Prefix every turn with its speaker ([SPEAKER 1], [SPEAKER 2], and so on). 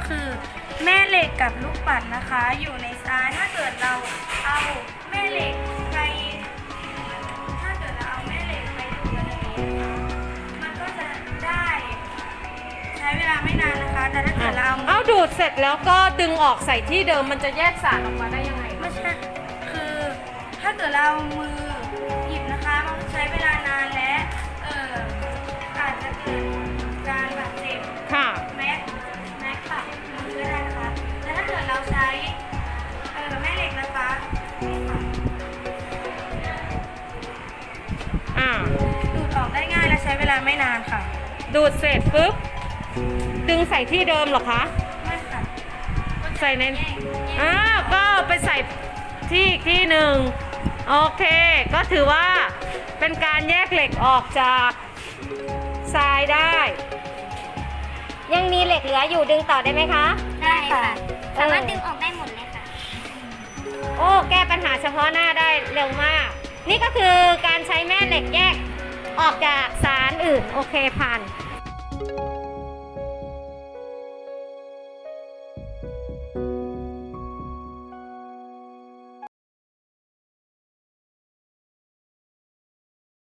[SPEAKER 1] คือแม่เหล็กกับลูกปัดนะคะ อยู่ในทรายถ้าเกิดเราเอาแม่เหล็กไปถ้าเกิดเราเอาแม่เหล็กไปดูกันอย่างนี้มันก็จะได้ใช้เวลาไม่นานนะคะ แต่ถ้าเกิดเรา
[SPEAKER 2] เอาดูดเสร็จแล้วก็ดึงออกใส่ที่เดิมมันจะแยกสารออกมาได้ยังไง
[SPEAKER 1] ไม่ใช่คือถ้าเกิดเราเอามือหยิบนะคะมันใช้เวลานานและอาจจะเกิดการบาดเจ็บ
[SPEAKER 2] ค่ะ
[SPEAKER 1] แม็กตัดมือก็ได้นะคะแต่ถ้าเกิดเราใช้แม่เหล็กนะคะดูดออกได้ง่ายและใช้เวลาไม่นานค่ะ
[SPEAKER 2] ดูดเสร็จปุ๊บดึงใส่ที่เดิมเหรอคะ
[SPEAKER 1] ไม่ค่ะ
[SPEAKER 2] ใส่ในก็ไปใส่ที่อีกที่หนึ่งโอเคก็ถือว่าเป็นการแยกเหล็กออกจากทรายได้
[SPEAKER 3] ยังมีเหล็กเหลืออยู่ดึงต่อได้ไหมคะ
[SPEAKER 1] ได้ค่ะ
[SPEAKER 3] สามารถดึงออกได้หมดเลยค่ะ โอ้แก้ปัญหาเฉพาะหน้าได้เร็วมาก นี่ก็คือการใช้แม่เหล็กแยกออกจากสารอื่นโอเคผ่าน